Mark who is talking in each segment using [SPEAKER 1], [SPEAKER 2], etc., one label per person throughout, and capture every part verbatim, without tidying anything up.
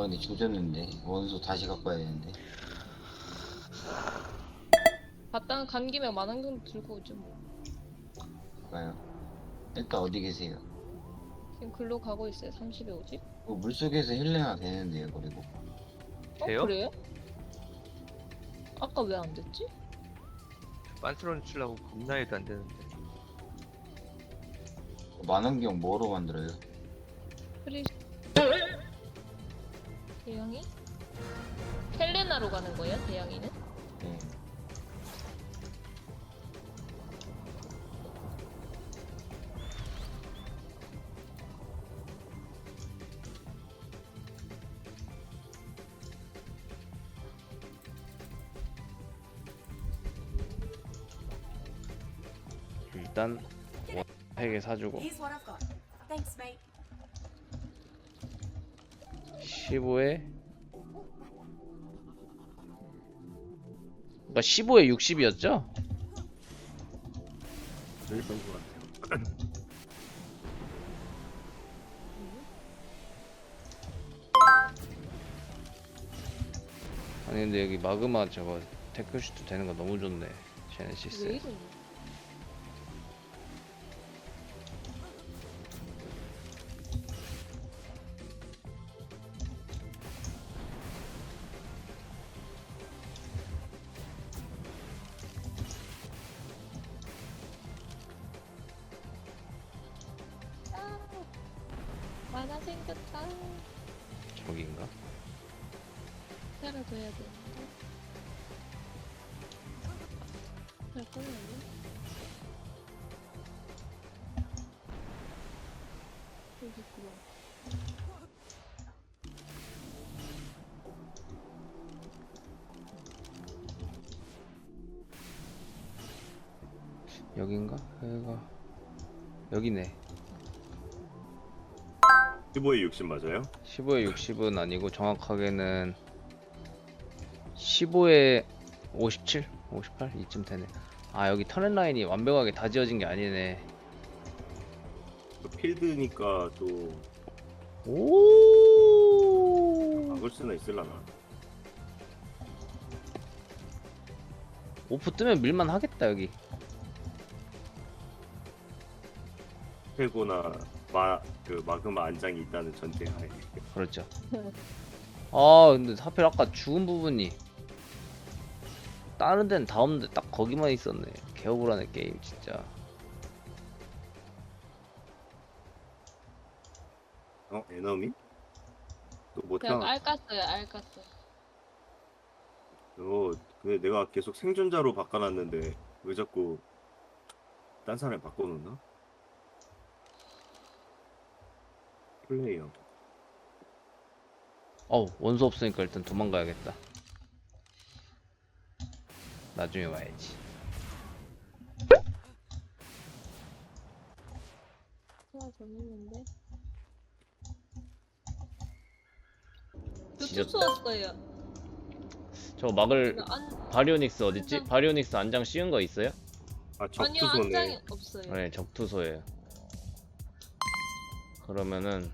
[SPEAKER 1] 근데 조졌는데 원소 다시 갖고 와야 되는데.
[SPEAKER 2] 바탕 간 김에 만원경 들고 오죠 뭐.
[SPEAKER 1] 가요. 일단 어디 계세요?
[SPEAKER 2] 지금 글로 가고 있어요. 삼십에 오십.
[SPEAKER 1] 뭐 물속에서 헬레나 되는데요, 그리고.
[SPEAKER 2] 어
[SPEAKER 3] 돼요?
[SPEAKER 2] 그래요? 아까 왜 안 됐지?
[SPEAKER 3] 빤스런 치려고 겁나 해도 안 되는데.
[SPEAKER 1] 만원경 뭐로 만들어요?
[SPEAKER 2] 프리 대양이? 헬레나로 가는 거예요? 대양이는?
[SPEAKER 1] 네.
[SPEAKER 4] 일단 세 개 사주고
[SPEAKER 5] Here's what I've got. Thanks, mate.
[SPEAKER 4] 십오에 그러니까 십오에 육십이었죠?
[SPEAKER 6] 그랬던 것 같아요.
[SPEAKER 4] 아니 근데 여기 마그마 저거 테크슈트 되는 거 너무 좋네.
[SPEAKER 2] 왜
[SPEAKER 4] 제네시스.
[SPEAKER 2] 이래? 아, 만화 생겼다.
[SPEAKER 4] 저기인가?
[SPEAKER 2] 살아둬야 되는데. 잘 꺼내네. 여기 있구나.
[SPEAKER 4] 여긴가? 여기가 여기네.
[SPEAKER 6] 십오에 육십 맞아요?
[SPEAKER 4] 십오에 육십은 아니고 정확하게는 십오에 오십칠? 오십팔? 이쯤 되네. 아 여기 터널 라인이 완벽하게 다 지어진 게 아니네.
[SPEAKER 6] 또 필드니까 또
[SPEAKER 4] 오
[SPEAKER 6] 막을 수는 있을라나.
[SPEAKER 4] 오프 뜨면 밀만 하겠다 여기.
[SPEAKER 6] 페고나 마 그 마그마 안장이 있다는 전제하에.
[SPEAKER 4] 그렇죠. 아 근데 하필 아까 죽은 부분이 다른 데는 다 없는데 딱 거기만 있었네. 개억울하네 게임 진짜.
[SPEAKER 6] 어 에너미? 또
[SPEAKER 2] 그냥
[SPEAKER 6] 못하.
[SPEAKER 2] 알 깠어요, 알 깠어.
[SPEAKER 6] 어 근데 내가 계속 생존자로 바꿔놨는데 왜 자꾸 딴 사람이 바꿔놓나? 플레이어.
[SPEAKER 4] 어우 원소 없으니까 일단 도망가야겠다. 나중에 와야지.
[SPEAKER 2] 하나 더 있는데.
[SPEAKER 4] 지졌다.
[SPEAKER 2] 투투 왔어요.
[SPEAKER 4] 저거 막을
[SPEAKER 2] 이거 안,
[SPEAKER 4] 바리오닉스 어딨지?
[SPEAKER 2] 안장.
[SPEAKER 4] 바리오닉스 안장 씌운 거 있어요?
[SPEAKER 6] 아
[SPEAKER 2] 아니요,
[SPEAKER 6] 적투소네.
[SPEAKER 2] 안장이 없어요.
[SPEAKER 4] 네 적투소예요. 그러면은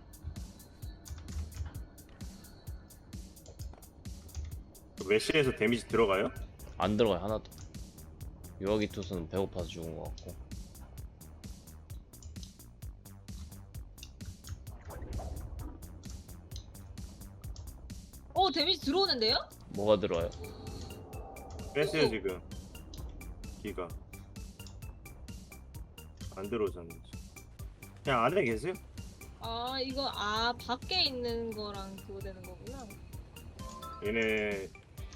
[SPEAKER 6] 메시에서 데미지 들어가요?
[SPEAKER 4] 안 들어가요 하나도. 유아기 투수는 배고파서 죽은 것 같고.
[SPEAKER 2] 어, 데미지 들어오는데요?
[SPEAKER 4] 뭐가 들어와요?
[SPEAKER 6] 뺐어요 지금. 기가 안 들어오잖아요. 그냥 안에 계세요?
[SPEAKER 2] 아, 이거, 아, 밖에 있는 거랑 그거 되는 거구나.
[SPEAKER 6] 얘네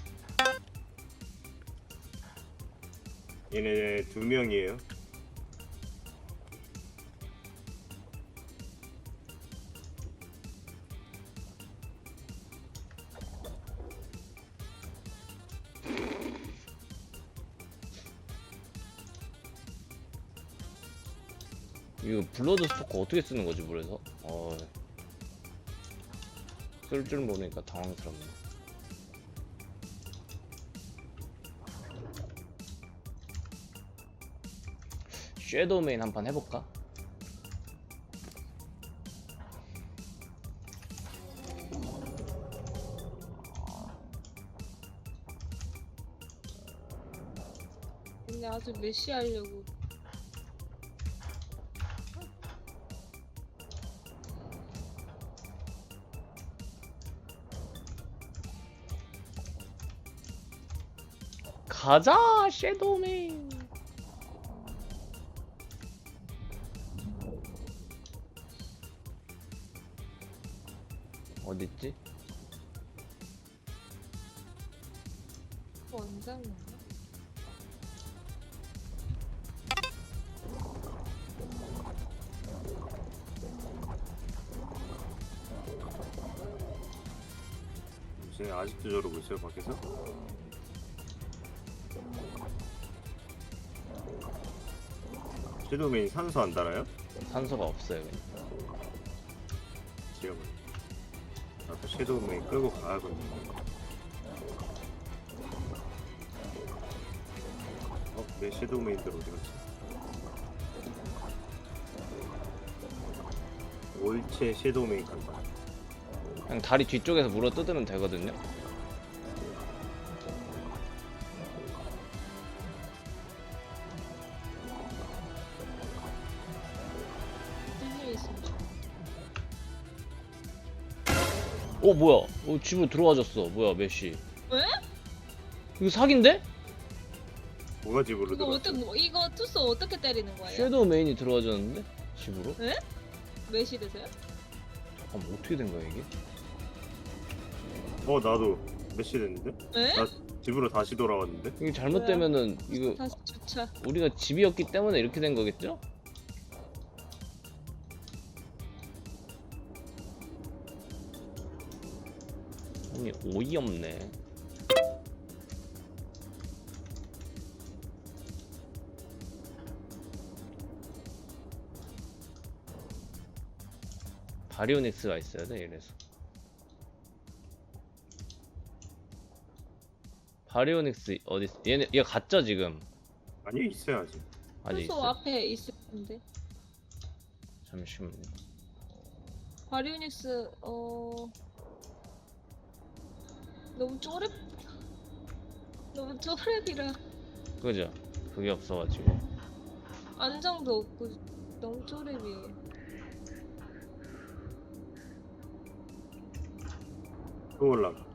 [SPEAKER 6] 얘네 두 명이에요.
[SPEAKER 4] 이거 블러드 스토커 어떻게 쓰는 거지 물에서? 어... 쓸 줄 모르니까 당황스럽네. 섀도우 메인 한판 해볼까?
[SPEAKER 2] 아주 메시 하려고.
[SPEAKER 4] 가자 섀도우맨. 어딨지?
[SPEAKER 2] 원장인가?
[SPEAKER 6] 쟤 아직도 저러고 있어요 밖에서? 섀도우맨이 산소 안 달아요?
[SPEAKER 4] 산소가 없어요 그냥.
[SPEAKER 6] 지금 나도 섀도우맨 끌고 가야거든요. 어? 내 섀도우맨들 어디 갔지? 올체 섀도우맨 간다.
[SPEAKER 4] 그냥 다리 뒤쪽에서 물어 뜯으면 되거든요.
[SPEAKER 2] 뚫려 있으면 좋아.
[SPEAKER 4] 어 뭐야? 어 집으로 들어와졌어. 뭐야 메시?
[SPEAKER 2] 왜?
[SPEAKER 4] 이거 사기인데?
[SPEAKER 6] 뭐가 집으로
[SPEAKER 2] 이거
[SPEAKER 6] 들어갔어?
[SPEAKER 2] 어떻게 뭐, 이거 투스 어떻게 때리는 거예요?
[SPEAKER 4] 섀도우 메인이 들어와졌는데? 집으로?
[SPEAKER 2] 메시 되세요?
[SPEAKER 4] 잠깐만 어떻게 된 거야 이게?
[SPEAKER 6] 어 나도 메시 됐는데?
[SPEAKER 2] 에?
[SPEAKER 6] 나 집으로 다시 돌아왔는데?
[SPEAKER 4] 이게 잘못되면은 이거
[SPEAKER 2] 다시 주차.
[SPEAKER 4] 우리가 집이었기 때문에 이렇게 된 거겠죠? 아니 어이없네. 바리오닉스가 있어야 돼 이래서. 바리오닉스 어디 있어? 얘네 얘 갔죠 지금?
[SPEAKER 6] 아니 있어야지.
[SPEAKER 4] 아직
[SPEAKER 2] 투소
[SPEAKER 4] 있어.
[SPEAKER 2] 앞에 있을 텐데.
[SPEAKER 4] 잠시만.
[SPEAKER 2] 바리오닉스 어 너무 쪼렙 너무 쪼렙이라
[SPEAKER 4] 그죠? 그게 없어가지고.
[SPEAKER 2] 안정도 없고 너무 쪼렙이에요.
[SPEAKER 6] 또 올라가.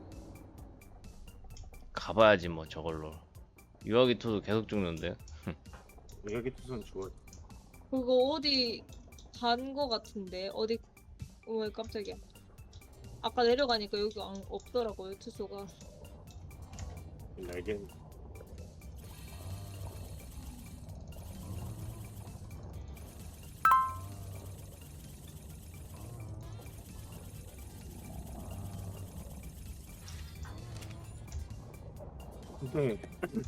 [SPEAKER 4] 가봐야지 뭐 저걸로. 유아기 투도 계속 죽는데.
[SPEAKER 6] 여기 투선 좋아.
[SPEAKER 2] 그거 어디 간 거 같은데 어디 어머 깜짝이야. 아까 내려가니까 여기 안, 없더라고요 투소가.
[SPEAKER 6] 날개. 근데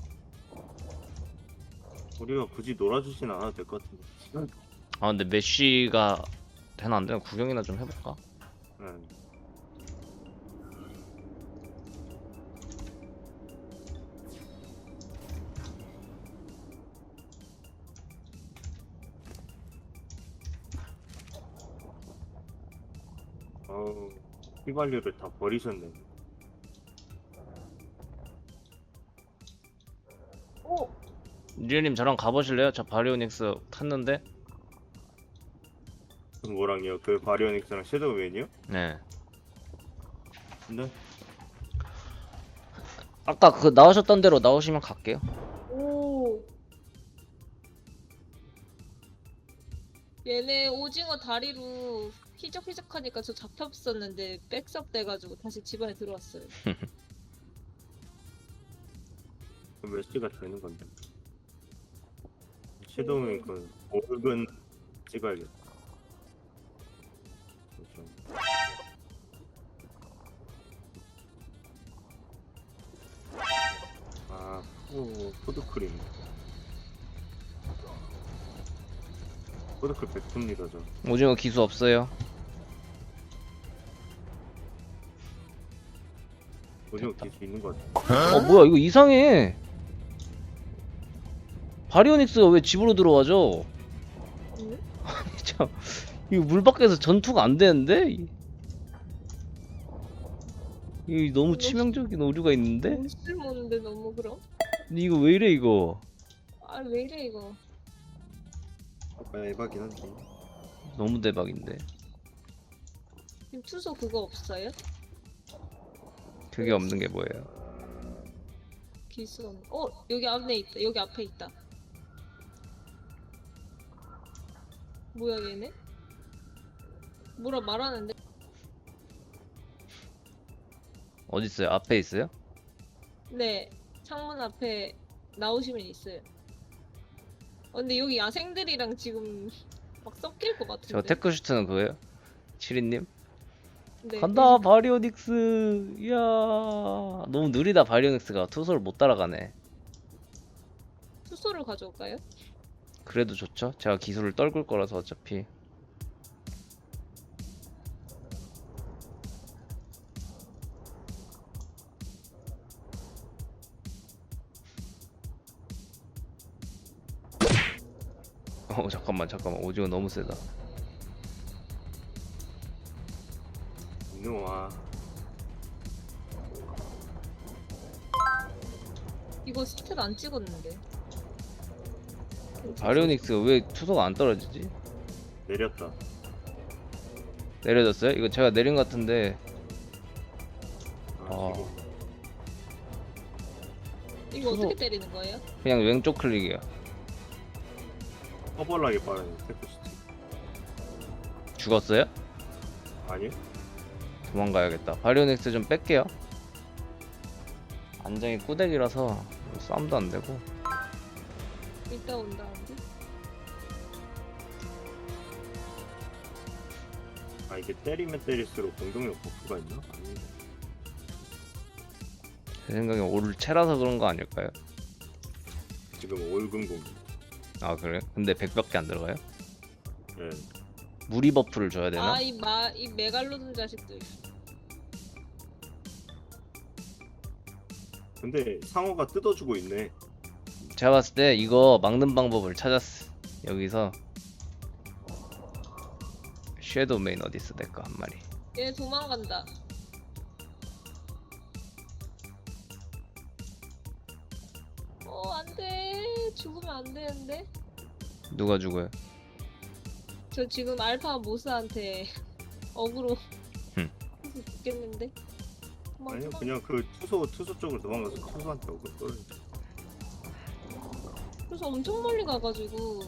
[SPEAKER 6] 우리가 굳이 놀아주진 않아도 될 것 같은데.
[SPEAKER 4] 아 근데 메시가 되나 안 되나 구경이나 좀 해볼까?
[SPEAKER 6] 응. 어우, 휘발유를 다 버리셨네.
[SPEAKER 2] 오!
[SPEAKER 4] 리얼님 저랑 가보실래요? 저 바리오닉스 탔는데.
[SPEAKER 6] 뭐랑요? 그 바리오닉스랑 섀도우맨이요?
[SPEAKER 4] 네.
[SPEAKER 6] 근데
[SPEAKER 4] 아까 그 나오셨던 대로 나오시면 갈게요.
[SPEAKER 2] 오! 얘네 오징어 다리로 휘적휘적하니까 저 잡혔었는데 백섭 돼가지고 다시 집안에 들어왔어요.
[SPEAKER 6] 그 몇 시가 되는 건데. 섀도우맨 그 오근 찍어야겠다. 그렇죠. 아, 오, 푸드크림. 푸드크림 백분입니다, 저.
[SPEAKER 4] 오징어 기수 없어요.
[SPEAKER 6] 오징어 기수 있는 것 같아.
[SPEAKER 4] 어 뭐야 이거 이상해. 바리오닉스가 왜 집으로 들어와죠?
[SPEAKER 2] 응?
[SPEAKER 4] 참 이거 물 밖에서 전투가 안 되는데? 이거 너무 치명적인 오류가 있는데?
[SPEAKER 2] 너무 쓸모없는데 너무 그럼?
[SPEAKER 4] 근데 이거 왜 이래 이거?
[SPEAKER 2] 아 왜 이래 이거.
[SPEAKER 6] 아까 에바긴 한데.
[SPEAKER 4] 너무 대박인데.
[SPEAKER 2] 지금 투소 그거 없어요?
[SPEAKER 4] 그게 없는 게 뭐예요?
[SPEAKER 2] 기수 없. 어 여기 앞에 있다. 여기 앞에 있다. 뭐야 얘네? 뭐라 말하는데?
[SPEAKER 4] 어디 있어요? 앞에 있어요?
[SPEAKER 2] 네 창문 앞에 나오시면 있어요. 어, 근데 여기 야생들이랑 지금 막 섞일 것 같은데.
[SPEAKER 4] 저 테크슈트는 그거예요? 치리님?
[SPEAKER 2] 네,
[SPEAKER 4] 간다 바리오닉스. 이야 너무 느리다. 바리오닉스가 투소를 못 따라가네.
[SPEAKER 2] 투소를 가져올까요?
[SPEAKER 4] 그래도 좋죠. 제가 기술을 떨굴 거라서 어차피. 어 잠깐만 잠깐만 오징어 너무 세다.
[SPEAKER 6] 이놈아.
[SPEAKER 2] 이거 스탯 안 찍었는데.
[SPEAKER 4] 바리오닉스가 왜 투소가 안 떨어지지?
[SPEAKER 6] 내렸다.
[SPEAKER 4] 내려졌어요? 이거 제가 내린 것 같은데.
[SPEAKER 6] 아,
[SPEAKER 4] 아.
[SPEAKER 6] 지금
[SPEAKER 2] 이거
[SPEAKER 4] 투소-
[SPEAKER 2] 어떻게 때리는 거예요?
[SPEAKER 4] 그냥 왼쪽 클릭이요.
[SPEAKER 6] 허벌나게 빠르네 테크시티.
[SPEAKER 4] 죽었어요?
[SPEAKER 6] 아니요?
[SPEAKER 4] 도망가야겠다. 바리오닉스 좀 뺄게요. 안정이 꾸대기라서 싸움도 안 되고.
[SPEAKER 2] 이따 온다는데?
[SPEAKER 6] 아 이게 때리면 때릴수록 공격력 버프가 있나? 아니.
[SPEAKER 4] 제 생각에 올 채라서 그런 거 아닐까요?
[SPEAKER 6] 지금 올금 공격.
[SPEAKER 4] 아 그래? 근데 백밖에 안 들어가요?
[SPEAKER 6] 예.
[SPEAKER 4] 무리 버프를 줘야 되나?
[SPEAKER 2] 아 이 마 이 메갈로돈 자식들.
[SPEAKER 6] 근데 상어가 뜯어주고 있네.
[SPEAKER 4] 제가 봤을 때 이거 막는 방법을 찾았어. 여기서 섀도우 메인 어딨어 내거 한 마리.
[SPEAKER 2] 얘 도망간다. 어 안돼. 죽으면 안 되는데.
[SPEAKER 4] 누가 죽어요?
[SPEAKER 2] 저 지금 알파 모스한테 어그로
[SPEAKER 4] 흠.
[SPEAKER 2] 해서 죽겠는데. 도망,
[SPEAKER 6] 아니요
[SPEAKER 2] 도망.
[SPEAKER 6] 그냥 그 투소 투소 쪽으로 도망가서 투소한테 어글 떨어.
[SPEAKER 2] 그래서 엄청 멀리 가가지고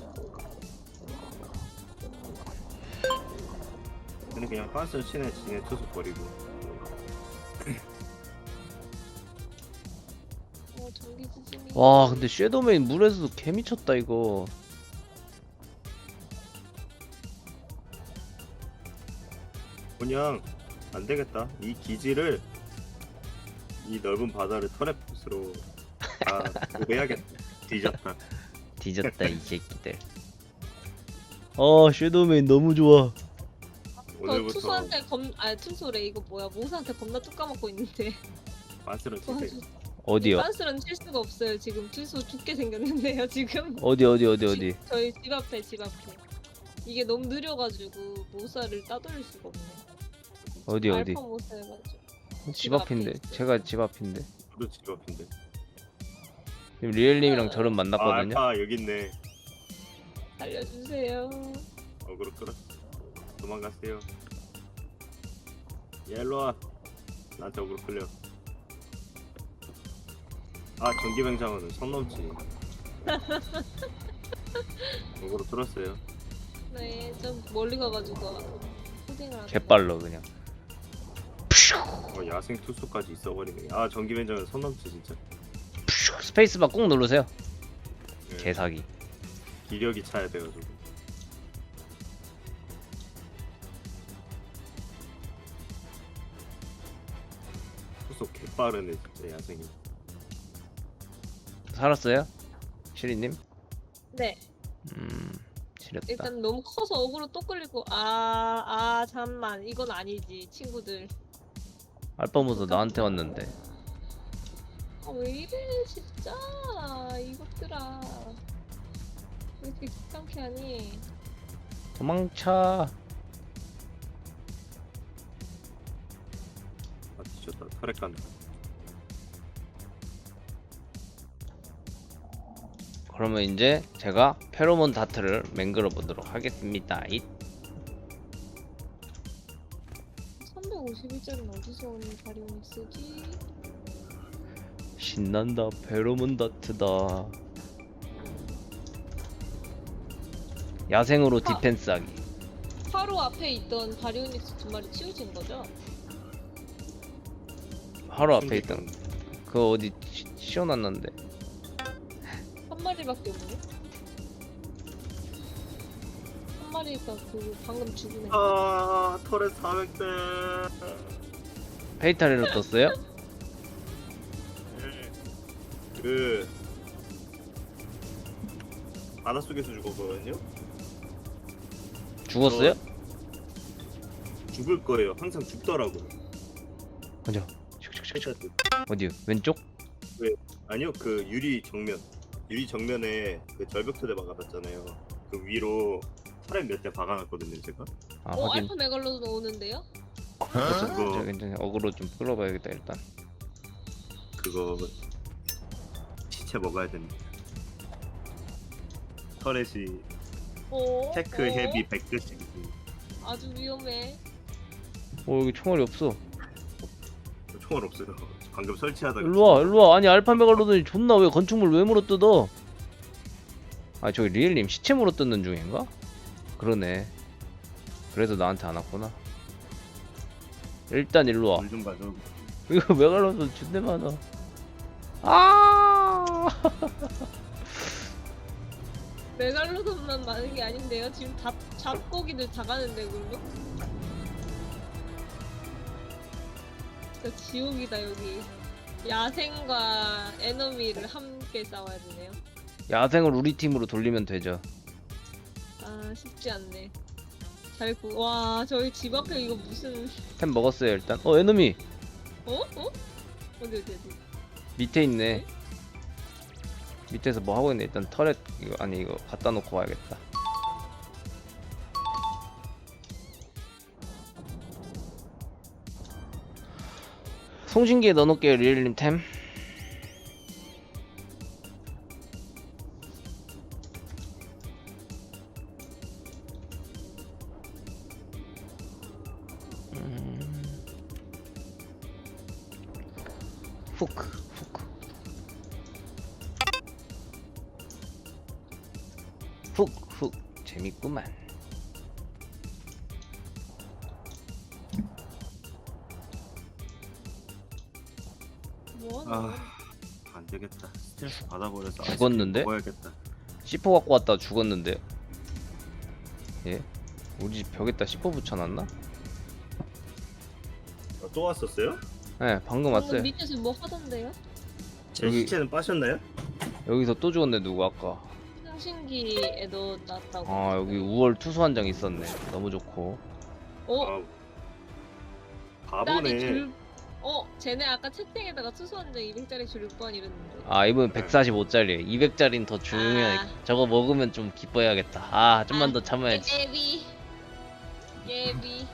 [SPEAKER 6] 근데 그냥 빤스 치네 지네 투소 버리고.
[SPEAKER 2] 어 전기 지진이.
[SPEAKER 4] 와 근데 섀도우 메인 물에서도 개 미쳤다 이거.
[SPEAKER 6] 그냥 안 되겠다. 이 기지를 이 넓은 바다를 터렛으로 다 도배해야겠다. 뒤졌다.
[SPEAKER 4] 뒤졌다 이 새끼들. 어 섀도우 메인 너무 좋아.
[SPEAKER 2] 저
[SPEAKER 6] 오늘부터
[SPEAKER 2] 투수한테 검, 아 투수래 이거 뭐야 모스한테 겁나 뚝 까먹고 있는데.
[SPEAKER 6] 빤스를 치세요.
[SPEAKER 4] 어디요?
[SPEAKER 2] 빤스런 칠 수가 없어요 지금 투수 죽게 생겼는데요 지금.
[SPEAKER 4] 어디 어디 어디 어디?
[SPEAKER 2] 집- 저희 집 앞에 집 앞에. 이게 너무 느려가지고 모사를 따돌릴 수가 없네.
[SPEAKER 4] 어디 어디?
[SPEAKER 2] 알파 모사 해가지고.
[SPEAKER 4] 집
[SPEAKER 2] 집 앞에
[SPEAKER 4] 앞인데.
[SPEAKER 2] 있어요.
[SPEAKER 4] 제가 집 앞인데.
[SPEAKER 6] 저도 집 앞인데.
[SPEAKER 4] 지금 리엘님이랑 저를
[SPEAKER 6] 아
[SPEAKER 4] 만났거든요.
[SPEAKER 6] 알파 여기 있네.
[SPEAKER 2] 알려주세요.
[SPEAKER 6] 어그로 끌어. 도망가세요. 야 일로와. 나한테 어그로 끌려. 아 전기뱅장어는 선 넘지. 어그로 끌었어요.
[SPEAKER 2] 네, 좀 멀리 가가지고 푸딩을 하다가.
[SPEAKER 4] 개빨러 그냥.
[SPEAKER 6] 어, 야생 투수까지 있어버리네. 아 전기뱅장어는 선 넘지 진짜.
[SPEAKER 4] 스페이스바 꾹 누르세요.
[SPEAKER 6] 예,
[SPEAKER 4] 개사기.
[SPEAKER 6] 기력이 차야 돼가지고. 투수 개빠르네 진짜 야생이.
[SPEAKER 4] 살았어요? 시리님?
[SPEAKER 2] 네,
[SPEAKER 4] 음 지렸다.
[SPEAKER 2] 일단 너무 커서 어그로 또 끌리고 아, 아 잠만 이건 아니지 친구들.
[SPEAKER 4] 알파모서 나한테 왔는데.
[SPEAKER 2] 아, 왜 이래 진짜 이것들아. 왜 이렇게 귀찮게 하니?
[SPEAKER 4] 도망쳐.
[SPEAKER 6] 아 뒤졌다. 털에 간다.
[SPEAKER 4] 그러면 이제 제가 페로몬 다트를 맹글어 보도록 하겠습니다. 이
[SPEAKER 2] 삼백오십일짜리는 어디서 오는 바리온이 쓰지?
[SPEAKER 4] 신난다. 페로몬 다트다. 야생으로
[SPEAKER 2] 아.
[SPEAKER 4] 디펜스하기.
[SPEAKER 2] 바로 앞에 있던 바리오닉스 두 마리 치우친 거죠?
[SPEAKER 4] 바로 앞에 있던 그거 어디 시- 씌워놨는데.
[SPEAKER 2] 한 마리밖에 없네. 한 마리가 그 방금 죽은 애.
[SPEAKER 6] 아 터렛 사백 대.
[SPEAKER 4] 페이탈리로 떴어요?
[SPEAKER 6] 그 바닷속에서 죽었거든요.
[SPEAKER 4] 죽었어요?
[SPEAKER 6] 죽을 거예요. 항상 죽더라고요.
[SPEAKER 4] 어디요?
[SPEAKER 6] 헤드샷.
[SPEAKER 4] 어디요? 왼쪽?
[SPEAKER 6] 아니요, 그 유리 정면. 유리 정면에 그 절벽 토대 박아놨잖아요. 그 위로 터렛 몇 대 박아놨거든요, 제가.
[SPEAKER 4] 아
[SPEAKER 2] 어
[SPEAKER 4] 확인.
[SPEAKER 2] 알파 메갈로돈 오는데요?
[SPEAKER 4] 그래서
[SPEAKER 6] 그거-
[SPEAKER 4] 저 괜찮아. 어그로 좀 끌어봐야겠다 일단.
[SPEAKER 6] 그거 시체 먹어야 됩니다. 터렛이
[SPEAKER 2] 어?
[SPEAKER 6] 테크
[SPEAKER 2] 어?
[SPEAKER 6] 헤비 백 개씩.
[SPEAKER 2] 아주 위험해.
[SPEAKER 4] 어 여기 총알이 없어.
[SPEAKER 6] 총알 없어요. 방금 설치하다가.
[SPEAKER 4] 일로와 일로와. 아니 알파 메갈로돈이 존나 왜 건축물 왜 물어 뜯어? 아 저기 리엘님 시체 물어 뜯는 중인가? 그러네. 그래서 나한테 안 왔구나. 일단 일로와.
[SPEAKER 6] 물좀 가져.
[SPEAKER 4] 이거 메갈로돈 존내 많아. 아
[SPEAKER 2] 메갈로돈만 많은 게 아닌데요? 지금 잡, 잡고기들 다 가는데 그걸로? 진짜 지옥이다 여기. 야생과 에너미를 함께 싸워야 되네요.
[SPEAKER 4] 야생을 우리 팀으로 돌리면 되죠.
[SPEAKER 2] 아 쉽지 않네. 잘 구. 와 저희 집 앞에 이거 무슨?
[SPEAKER 4] 템 먹었어요 일단. 어 에너미
[SPEAKER 2] 어? 어? 어디 어디 어디?
[SPEAKER 4] 밑에 있네. 밑에서 뭐 하고 있네. 일단 터렛 이거 아니 이거 갖다 놓고 와야겠다. 송신기에 넣어놓을게요 리엘님 템. 음. 후크 후크 훅훅 재밌구만.
[SPEAKER 2] 뭐?
[SPEAKER 6] 아, 안 되겠다. 스트레스 받아버려서 아이스크림
[SPEAKER 4] 죽었는데?
[SPEAKER 6] 먹어야겠다.
[SPEAKER 4] 씨포 갖고 왔다 죽었는데요. 예? 우리 집 벽에다 씨포 붙여놨나?
[SPEAKER 6] 어, 또 왔었어요?
[SPEAKER 4] 네 방금
[SPEAKER 2] 방금
[SPEAKER 4] 왔어요.
[SPEAKER 2] 밑에서 뭐 하던데요?
[SPEAKER 6] 제
[SPEAKER 4] 여기-
[SPEAKER 6] 시체는 빠셨나요?
[SPEAKER 4] 여기서 또 죽었네 누구 아까.
[SPEAKER 2] 상신기에 넣어놨다고.
[SPEAKER 4] 아 여기 우월 투수 한 장 있었네. 너무 좋고.
[SPEAKER 2] 어?
[SPEAKER 6] 아,
[SPEAKER 2] 나니
[SPEAKER 6] 바보네.
[SPEAKER 2] 줄. 어? 쟤네 아까 채팅에다가 투수한장 이백짜리 줄 육 번 이랬는데.
[SPEAKER 4] 아 이번 백사십오짜리 이백 짜리는 더 중요해.
[SPEAKER 2] 아.
[SPEAKER 4] 저거 먹으면 좀 기뻐해야겠다. 아 좀만
[SPEAKER 2] 아,
[SPEAKER 4] 더 참아야지.
[SPEAKER 2] 예비. 예비.